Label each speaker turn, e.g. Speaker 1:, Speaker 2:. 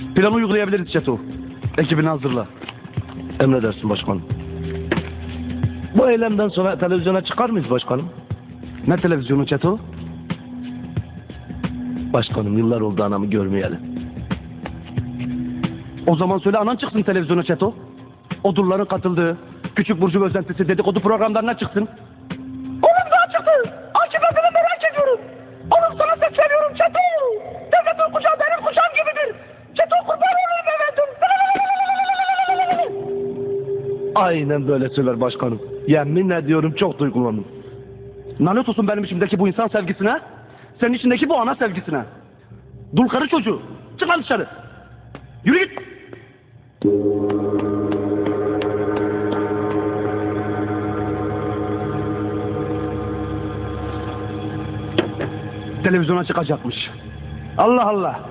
Speaker 1: Planı uygulayabiliriz Çeto. Ekibini hazırla.
Speaker 2: Emredersin başkanım. Bu eylemden sonra televizyona çıkar mıyız başkanım?
Speaker 1: Ne televizyonu Çeto?
Speaker 2: Başkanım yıllar oldu anamı görmeyeli.
Speaker 1: O zaman söyle anan çıksın televizyona Çeto. Odurların katıldığı, Küçük Burcu özentisi dedikodu programlarına çıksın.
Speaker 3: Oğlum daha çıktı. Akıbetini merak ediyorum. Oğlum sana sesleniyorum Çeto. Devletin kucağı benim kucağım gibidir. Çeto kurban olayım efendim.
Speaker 2: Aynen böyle söyler başkanım. Yemin ediyorum çok duygulandım.
Speaker 1: Lanet olsun benim içimdeki bu insan sevgisine, senin içindeki bu ana sevgisine. Dul karı çocuğu. Çık lan dışarı. Yürü git. Televizyona çıkacakmış. Allah Allah.